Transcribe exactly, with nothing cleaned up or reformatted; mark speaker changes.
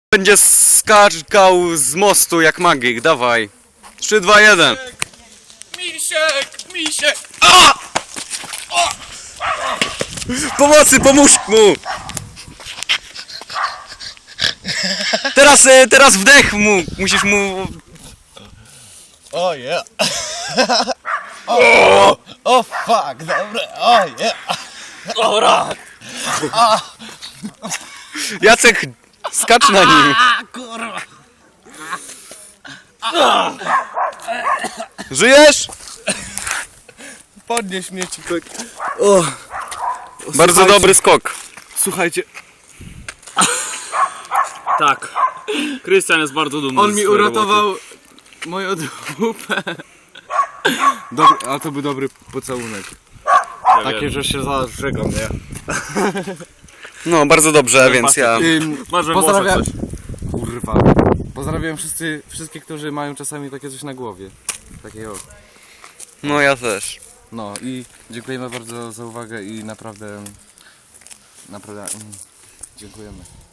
Speaker 1: Będzie skakał z mostu jak magik, dawaj. trzy, dwa, jeden.
Speaker 2: Misiek, misiek!
Speaker 1: A! Pomocy, pomóż mu! Teraz, e, teraz wdech mu, musisz mu...
Speaker 2: O yeah! O, o fuck, dobra, o yeah! Dobra!
Speaker 1: Jacek, skacz na nim.
Speaker 2: A kurwa!
Speaker 1: Żyjesz?
Speaker 2: Podnieś mnie ci tak. O.
Speaker 1: Bardzo
Speaker 2: Słuchajcie.
Speaker 1: dobry skok.
Speaker 2: Słuchajcie,
Speaker 3: Tak. Krystian jest bardzo dumny.
Speaker 2: on
Speaker 3: ze
Speaker 2: mi
Speaker 3: swojej
Speaker 2: uratował
Speaker 3: roboty.
Speaker 2: moją dupę. Dobry, a to był dobry pocałunek.
Speaker 3: Ja
Speaker 2: Takie,
Speaker 3: wiem.
Speaker 2: że się zażegam, nie?
Speaker 1: No, bardzo dobrze, więc ja...
Speaker 2: Ym,
Speaker 3: Masz
Speaker 2: pozdrawiam.
Speaker 3: coś.
Speaker 2: Kurwa. Pozdrawiam wszyscy, wszystkich, którzy mają czasami takie coś na głowie. Takiego.
Speaker 1: No, ja też.
Speaker 2: No i dziękujemy bardzo za uwagę i naprawdę, naprawdę mm, dziękujemy.